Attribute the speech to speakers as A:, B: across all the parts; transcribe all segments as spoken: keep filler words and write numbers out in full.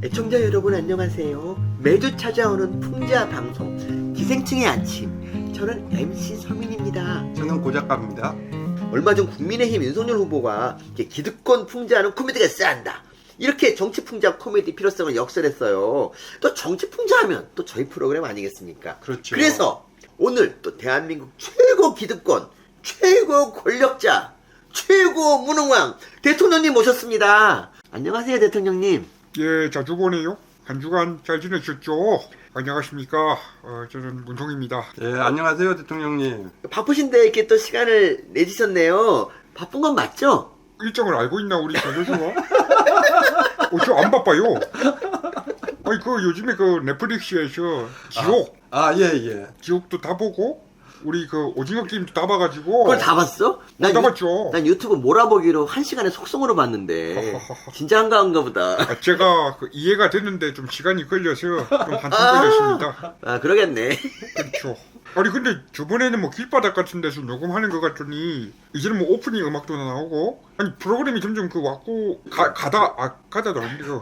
A: 애청자 여러분 안녕하세요. 매주 찾아오는 풍자 방송 기생충의 아침, 저는 엠씨 서민입니다.
B: 저는 고작가입니다.
A: 얼마 전 국민의힘 윤석열 후보가 기득권 풍자하는 코미디가 싸한다, 이렇게 정치 풍자 코미디 필요성을 역설했어요. 또 정치 풍자하면 또 저희 프로그램 아니겠습니까?
B: 그렇죠.
A: 그래서 오늘 또 대한민국 최고 기득권, 최고 권력자, 최고 무능왕 대통령님 모셨습니다. 안녕하세요, 대통령님.
C: 예, 자주 보네요. 한 주간 잘 지내셨죠? 안녕하십니까. 어, 저는 문성입니다.
B: 예, 안녕하세요, 대통령님.
A: 바쁘신데 이렇게 또 시간을 내주셨네요. 바쁜 건 맞죠?
C: 일정을 알고 있나, 우리 조조수가? 어, 저 안 바빠요. 아니, 그 요즘에 그 넷플릭스에서 지옥,
B: 아, 예, 예.
C: 지옥도 다 보고, 우리 그 오징어 게임도 다 봐가지고.
A: 그걸 다 봤어? 난,
C: 다
A: 유,
C: 봤죠.
A: 난 유튜브 몰아보기로 한 시간에 속성으로 봤는데 진짜 한가한가 보다.
C: 아, 제가 그 이해가 됐는데 좀 시간이 걸려서 좀 한참 걸렸습니다.
A: 아, 그러겠네.
C: 그렇죠. 아니 근데 저번에는 뭐 길바닥 같은 데서 녹음하는 것 같더니 이제는 뭐 오프닝 음악도 나오고, 아니 프로그램이 점점 그 왔고 가, 가다 아 가다도 아닌데 그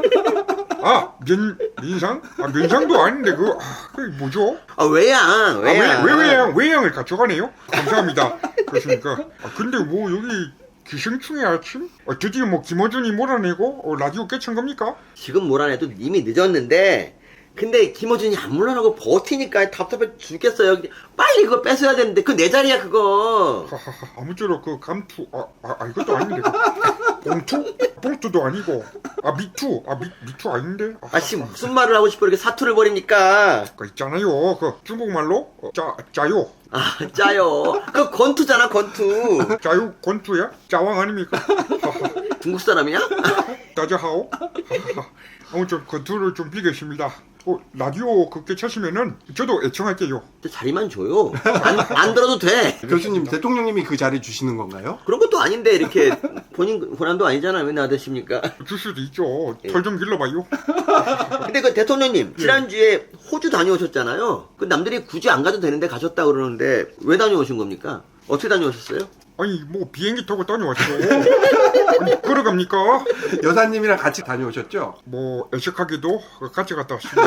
C: 아, 면, 면상? 아, 면상도 아닌데, 그, 아, 그게 뭐죠?
A: 아, 외양,
C: 아,
A: 외양.
C: 왜, 왜 외양, 외양을 가져가네요? 감사합니다. 그렇습니까? 아, 근데 뭐, 여기, 기생충의 아침? 아, 드디어 뭐, 김어준이 몰아내고, 어, 라디오 깨친 겁니까?
A: 지금 몰아내도 이미 늦었는데, 근데 김어준이 안 물러나고 버티니까 답답해 죽겠어요. 빨리 그거 뺏어야 되는데, 그 내 자리야, 그거.
C: 하하하, 아무쪼록 그 감투, 아, 아, 아 이것도 아닌데, 그, 봉투? 봉투도 아니고, 아, 미투, 아, 미, 미투 아닌데? 아,
A: 아, 지금 무슨 말을 하고 싶어 이렇게 사투를 벌입니까?
C: 그 있잖아요, 그, 중국말로, 어, 짜, 짜요.
A: 아, 짜요. 그 권투잖아, 권투.
C: 짜요, 권투야? 짜왕 아닙니까?
A: 중국 사람이야?
C: 따자하오? 하하하. 아무튼 권투를 좀 비겠습니다. 어, 라디오 그렇게 차시면은 저도 애청할게요.
A: 자리만 줘요. 안, 안 들어도 돼.
B: 교수님, 대통령님이 그 자리 주시는 건가요?
A: 그런 것도 아닌데 이렇게 본인 권한도 아니잖아요. 왜 나드십니까?
C: 줄 수도 있죠. 털 좀 길러봐요.
A: 근데 그 대통령님 지난주에 호주 다녀오셨잖아요. 그 남들이 굳이 안 가도 되는데 가셨다 그러는데 왜 다녀오신 겁니까? 어떻게 다녀오셨어요?
C: 아니 뭐 비행기 타고 다녀왔죠. 아니 걸어갑니까?
B: 여사님이랑 같이 다녀오셨죠?
C: 뭐 애석하게도 같이 갔다 왔습니다.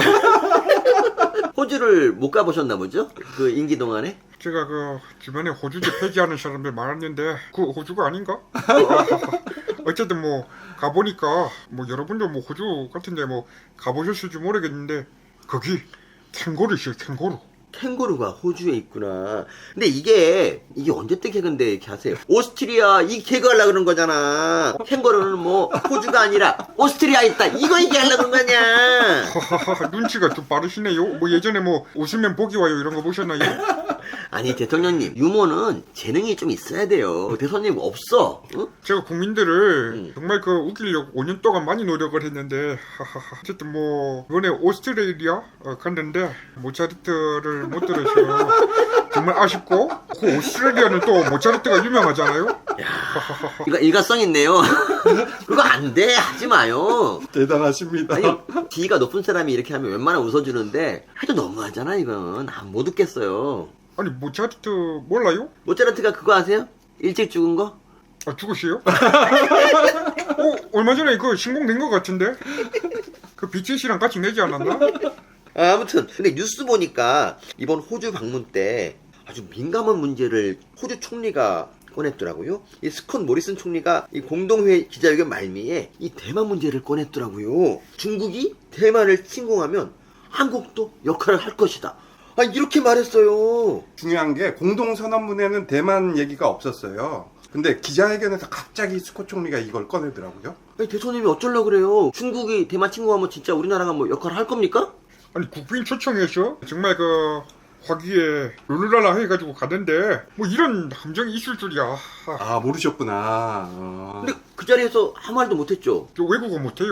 A: 호주를 못 가보셨나 보죠? 그 임기 동안에?
C: 제가 그 주변에 호주제 폐지하는 사람들 많았는데 그 호주가 아닌가? 어쨌든 뭐 가보니까 뭐 여러분도 뭐 호주 같은데 뭐 가보셨을지 모르겠는데 거기 캥거루 있어요. 캥거루.
A: 캥거루가 호주에 있구나. 근데 이게 이게 언제 때 개그인데 이렇게 하세요? 오스트리아 이 개그 하려고 그런 거잖아. 캥거루는 뭐 호주가 아니라 오스트리아에 있다, 이거 얘기하려고 그런 거냐.
C: 하하하, 눈치가 좀 빠르시네요. 뭐 예전에 뭐 웃으면 복이 와요 이런 거 보셨나요?
A: 아니 대통령님, 유머는 재능이 좀 있어야 돼요. 대통령님 없어. 응?
C: 제가 국민들을
A: 음.
C: 정말 그 웃기려고 오 년 동안 많이 노력을 했는데 하하하. 어쨌든 뭐 이번에 오스트레일리아 어, 갔는데 모차르트를 못 들어서 정말 아쉽고, 그 오스트레일리아는 또 모차르트가 유명하잖아요.
A: 이거 일가성 있네요. 그거 안 돼, 하지 마요.
B: 대단하십니다.
A: 아니, 지위가 높은 사람이 이렇게 하면 웬만하면 웃어주는데 해도 너무하잖아. 이건 아, 못 웃겠어요.
C: 아니 모차르트 몰라요?
A: 모차르트가 그거 아세요? 일찍 죽은 거?
C: 아 죽으세요? 어, 얼마 전에 그 신공된 것 같은데? 그 비티에스랑 같이 내지 않았나?
A: 아, 아무튼 근데 뉴스 보니까 이번 호주 방문 때 아주 민감한 문제를 호주 총리가 꺼냈더라고요. 이 스콧 모리슨 총리가 이 공동회의 기자회견 말미에 이 대만 문제를 꺼냈더라고요. 중국이 대만을 침공하면 한국도 역할을 할 것이다, 아, 이렇게 말했어요.
B: 중요한 게 공동선언문에는 대만 얘기가 없었어요. 근데 기자회견에서 갑자기 스콧 총리가 이걸 꺼내더라고요.
A: 아니, 대통령이 어쩌려고 그래요? 중국이 대만 침공하면 진짜 우리나라가 뭐 역할을 할 겁니까?
C: 아니 국빈 초청해서 정말 그 화기에 룰루랄라 해가지고 가던데 뭐 이런 함정이 있을 줄이야.
B: 아, 모르셨구나. 어.
A: 근데 그 자리에서 아무 말도 못했죠.
C: 저 외국어 못해요.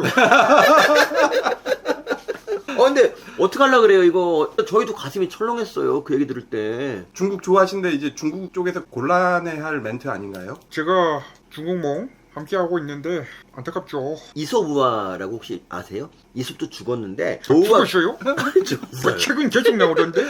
A: 어, 근데 어떡하려고 그래요 이거. 저희도 가슴이 철렁했어요, 그 얘기 들을 때.
B: 중국 좋아하신데 이제 중국 쪽에서 곤란해할 멘트 아닌가요?
C: 제가 중국몽 함께 하고 있는데 안타깝죠.
A: 이솝우화라고 혹시 아세요? 이솝도 죽었는데
C: 죽었어요?
A: 죽었어요.
C: 뭐 책은 계속 나오던데?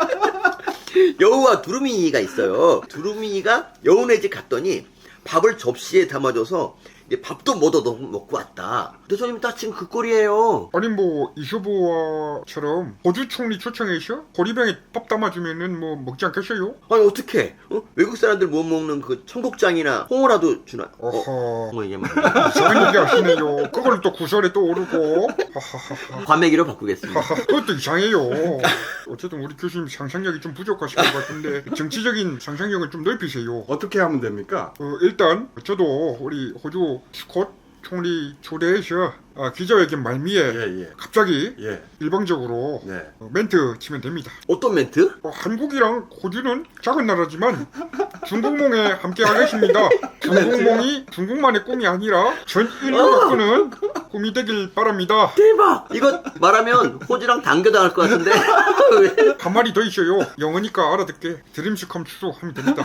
A: 여우와 두루미가 있어요. 두루미가 여우네 집 갔더니 밥을 접시에 담아줘서 이제 밥도 못 얻어 먹고 왔다. 대통령님 딱 지금 그 꼴이에요.
C: 아니 뭐 이수부와처럼 호주 총리 초청해서 호리병에 밥 담아주면은 뭐 먹지 않겠어요?
A: 아니 어떻게? 어? 외국 사람들 못 먹는 그 청국장이나 홍어라도 주나? 어?
C: 어허
A: 뭐 이게 막
C: 이상한 얘기 하시네요. 그걸 또 구설에 또 오르고 하하하
A: 과메기로 바꾸겠습니다.
C: 하하, 그것도 이상해요. 어쨌든 우리 교수님 상상력이 좀 부족하신 것 같은데 정치적인 상상력을 좀 넓히세요.
B: 어떻게 하면 됩니까?
C: 어, 일단 저도 우리 호주 스콧 총리 초대해서 아, 기자회견 말미에
B: 예, 예.
C: 갑자기
B: 예.
C: 일방적으로
B: 네.
C: 어, 멘트 치면 됩니다.
A: 어떤 멘트?
C: 어, 한국이랑 호주는 작은 나라지만 중국몽에 함께 하겠습니다. 중국몽이 중국만의 꿈이 아니라 전 인류가 꾸는 꿈이 되길 바랍니다.
A: 대박! 이거 말하면 호주랑 당겨당할 것 같은데? 왜?
C: 한 마리 더 있어요. 영어니까 알아듣게 드림스 컴 트루 하면 됩니다.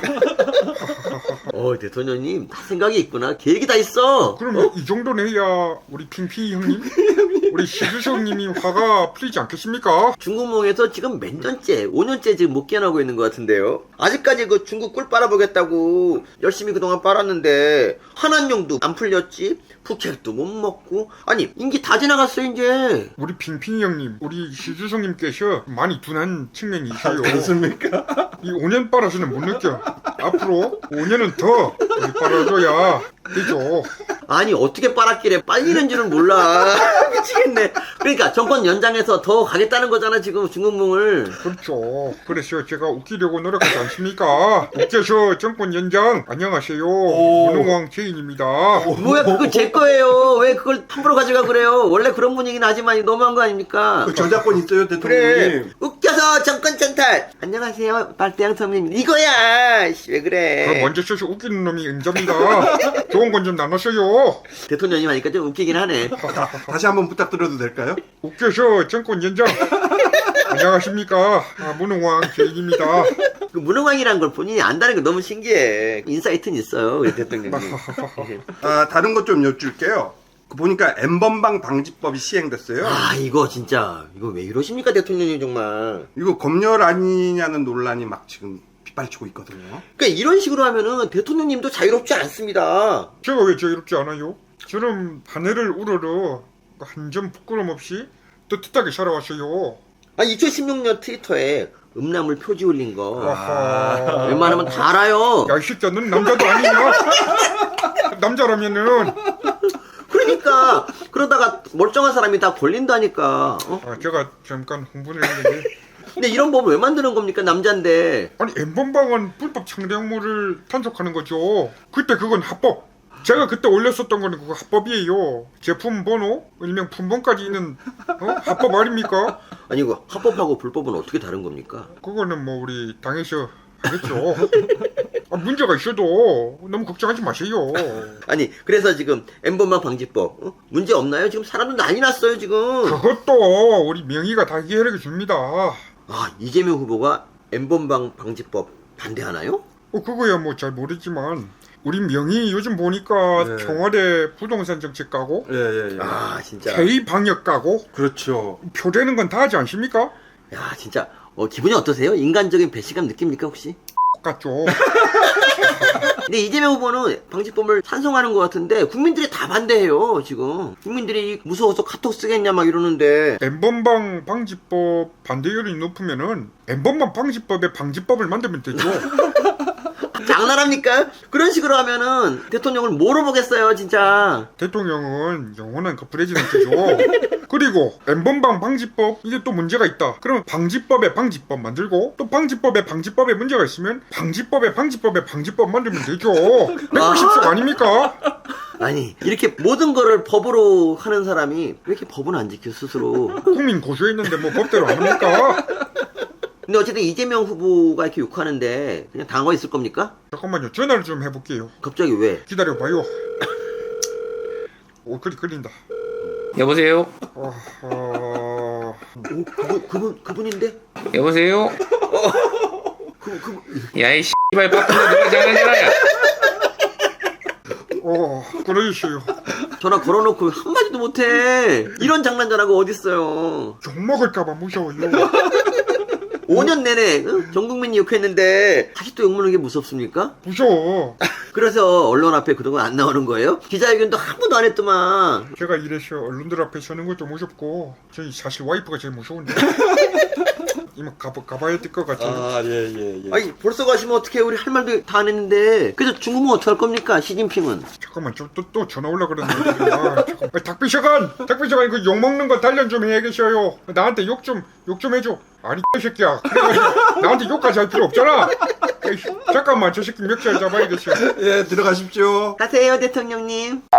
A: 어 대통령님 다 생각이 있구나. 계획이 다 있어.
C: 그러면 이 정도는 해야 우리 핑핑이 형님, 우리 시주성 님이 화가 풀리지 않겠습니까?
A: 중국몽에서 지금 몇 년째, 오 년째 지금 못 깨어나고 있는 것 같은데요. 아직까지 그 중국 꿀 빨아보겠다고 열심히 그동안 빨았는데 한한용도 안 풀렸지. 푸켓도 못 먹고. 아니 임기 다 지나갔어 이제.
C: 우리 핑핑이 형님, 우리 시주성 님께서 많이 둔한 측면이 있어요.
B: 그렇습니까?
C: 이 오 년 빨아서는 못 느껴. 앞으로 오 년은 더 우리 빨아줘야 되죠.
A: 아니 어떻게 빨았길래 빨리는 줄은 몰라. 미치겠네. 그러니까 정권 연장해서 더 가겠다는 거잖아 지금 중국몽을.
C: 그렇죠. 그래서 제가 웃기려고 노력하지 않습니까? 웃겨서 정권 연장 안녕하세요. 문홍왕 제인입니다.
A: 뭐야 그거 제 거예요. 왜 그걸 함부로 가져가 그래요. 원래 그런 분위기는 하지만 너무한 거 아닙니까?
B: 그 저작권 있어요, 대통령님.
A: 그래 웃겨서 정권 찬탈. 안녕하세요 빨대양 선배님 이거야. 씨, 왜
C: 그럼
A: 그래.
C: 먼저 써서 웃기는 놈이 은자입니다. 좋은 건 좀 나눴어요.
A: 대통령님 하니까 좀 웃기긴 하네.
B: 다시 한번 부탁드려도 될까요?
C: 웃겨서 정권 연장 안녕하십니까. 아, 문홍왕 제인입니다.
A: 그 문흥왕이란 걸 본인이 안다는 거 너무 신기해. 인사이트는 있어요 우리 대통령님.
B: 아, 다른 것 좀 여쭐게요. 그 보니까 엠번방 방지법이 시행됐어요.
A: 아 이거 진짜 이거 왜 이러십니까 대통령님 정말.
B: 이거 검열 아니냐는 논란이 막 지금 빗발치고 있거든요.
A: 그러니까 이런 식으로 하면은 대통령님도 자유롭지 않습니다.
C: 제가 왜 자유롭지 않아요? 저는 하늘을 우러러 한 점 부끄럼 없이 떳떳하게 살아왔어요.
A: 아 이천십육 년 트위터에 음란물 표지 올린 거
C: 아하.
A: 웬만하면 다 알아요.
C: 야, 이 새끼야, 넌 남자도 아니냐? 남자라면은,
A: 그러니까 그러다가 멀쩡한 사람이 다 걸린다니까. 어?
C: 아, 제가 잠깐 흥분을 했는데.
A: 근데 이런 법을 왜 만드는 겁니까 남잔데.
C: 아니, 엠번방은 불법 창작물을 탄속하는 거죠. 그때 그건 합법. 제가 그때 올렸었던 거는 그거 합법이에요. 제품 번호, 일명 품번까지 있는, 어? 합법 아닙니까?
A: 아니 이거 합법하고 불법은 어떻게 다른 겁니까?
C: 그거는 뭐, 우리 당에서 하겠죠. 아, 문제가 있어도 너무 걱정하지 마세요.
A: 아니 그래서 지금 엠번방 방지법 어? 문제 없나요? 지금 사람들 난리 났어요 지금.
C: 그것도 우리 명의가 다 이해해 줍니다.
A: 아 이재명 후보가 엠번방 방지법 반대하나요?
C: 어, 그거야 뭐 잘 모르지만 우리 명의 요즘 보니까
B: 네.
C: 청와대 부동산 정책 까고
B: 예, 예, 예.
A: 아 진짜.
C: K 방역 까고
B: 그렇죠.
C: 표되는 건 다 하지 않습니까?
A: 야 진짜 어, 기분이 어떠세요? 인간적인 배신감 느낍니까 혹시?
C: 똑같죠.
A: 근데 이재명 후보는 방지법을 찬성하는 것 같은데 국민들이 다 반대해요 지금. 국민들이 무서워서 카톡 쓰겠냐 막 이러는데.
C: 엠번방 방지법 반대율이 높으면은 엠번방 방지법에 방지법을 만들면 되죠.
A: 장난합니까? 그런 식으로 하면은 대통령을 뭐로 보겠어요 진짜.
C: 대통령은 영원한 그 프레지던트죠. 그리고 엠번방 방지법 이게 또 문제가 있다. 그러면 방지법에 방지법 만들고 또 방지법에 방지법에 문제가 있으면 방지법에 방지법에 방지법 만들면 되죠. 백구십 석 아닙니까?
A: 아니 이렇게 모든 거를 법으로 하는 사람이 왜 이렇게 법은 안 지켜 스스로.
C: 국민 고소했는데 뭐 법대로 안 합니까?
A: 근데 어쨌든 이재명 후보가 이렇게 욕하는데 그냥 당황 있을 겁니까?
C: 잠깐만요. 전화를 좀 해볼게요.
A: 갑자기 왜?
C: 기다려봐요. 오, 그리 끌린다.
D: 여보세요?
C: 어, 어...
A: 오, 그분, 그분, 그분인데?
D: 여보세요?
A: 그, 그,
D: 야이 씨발 바쁜데 누가 장난해라 야.
C: 어, 그러셨어요.
A: 전화 걸어놓고 한마디도 못해. 이런 장난 전화가 어딨어요.
C: 욕먹을까봐 무서워요.
A: 오 년 내내 어? 전 국민이 욕했는데 아직도 욕먹는 게 무섭습니까?
C: 무서워.
A: 그래서 언론 앞에 그동안 안 나오는 거예요? 기자회견도 한 번도 안 했더만.
C: 제가 이래서 언론들 앞에 서는 것도 무섭고 저희 사실 와이프가 제일 무서운데. 이만 가봐, 가봐야 될 것 같아요.
B: 아, 예, 예, 예.
A: 아니 벌써 가시면 어떻게 우리 할 말도 다 안 했는데. 그래서 중국은 어떻게 할 겁니까? 시진핑은.
C: 잠깐만 또 또 전화 올라 그러는데. 아, 잠깐. 아, 닭비서관, 닭비서관 그 욕 먹는 거 단련 좀 해야겠어요. 나한테 욕 좀 욕 좀 해줘. 아니 이 새끼야. 그래가지고 나한테 욕까지 할 필요 없잖아. 에이, 잠깐만 저 새끼 멱살 잡아야겠어.
B: 예, 들어가십시오.
A: 가세요 대통령님.